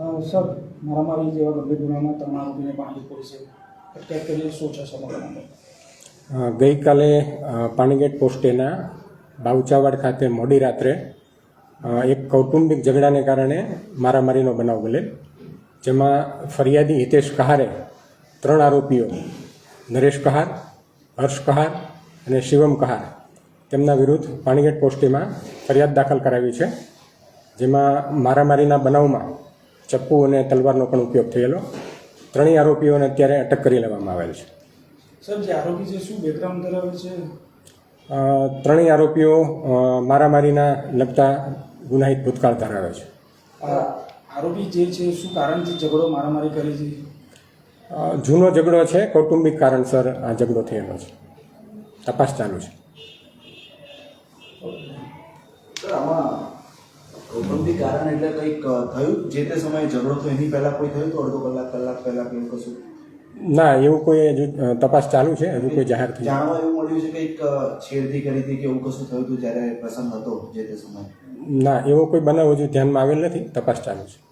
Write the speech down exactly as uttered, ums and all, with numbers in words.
Sir મારામારી જેવા ગંભીર ગુનામાં ત્રણ આરોપીને પાણી પોલીસે અટકાયત કરી શું છે સમગ્ર મામલો? ગઈકાલે પાણીગેટ પોસ્ટેના બાવચાવાડ ખાતે મોડી રાત્રે એક કૌટુંબિક ઝઘડાને કારણે મારામારીનો બનાવ બનેલ, જેમાં ફરિયાદી હિતેશ કહારે ત્રણ આરોપીઓ નરેશ કહાર, હર્ષ કહાર અને શિવમ કહાર તેમના વિરુદ્ધ પાણીગેટ પોસ્ટેમાં ફરિયાદ દાખલ કરાવી છે, જેમાં મારામારીના બનાવમાં ચપ્પુ અને તલવારનો પણ ઉપયોગ થયેલો. ત્રણેય આરોપીઓને અત્યારે અટક કરી લેવામાં આવેલ છે. સર, જે આરોપી છે શું બેકગ્રાઉન્ડ ધરાવે છે? ત્રણેય આરોપીઓ મારામારીના લગતા ગુનાહિત ભૂતકાળ ધરાવે છે. આરોપી જે છે શું કારણથી ઝઘડો મારામારી કરી છે? જૂનો ઝઘડો છે, કૌટુંબિક કારણસર આ ઝઘડો થયેલો છે. તપાસ ચાલુ છે. સર, આમાં કૌટુંબિક કારણ એટલે કંઈક થયું જે તે સમયે ઝઘડો થયો એની પહેલાં કોઈ થયું તો અડધો કલાક કલાક પહેલાં કે એવું કશું? ના, એવું કોઈ હજુ તપાસ ચાલુ છે, હજુ કોઈ જાહેર થઈ જાણવા એવું મળ્યું છે કે એક છેડતી કરી હતી કે એવું કશું થયું હતું જ્યારે પ્રસંગ હતો જે તે સમયે? ના, એવો કોઈ બનાવ હજુ ધ્યાનમાં આવેલ નથી. તપાસ ચાલુ છે.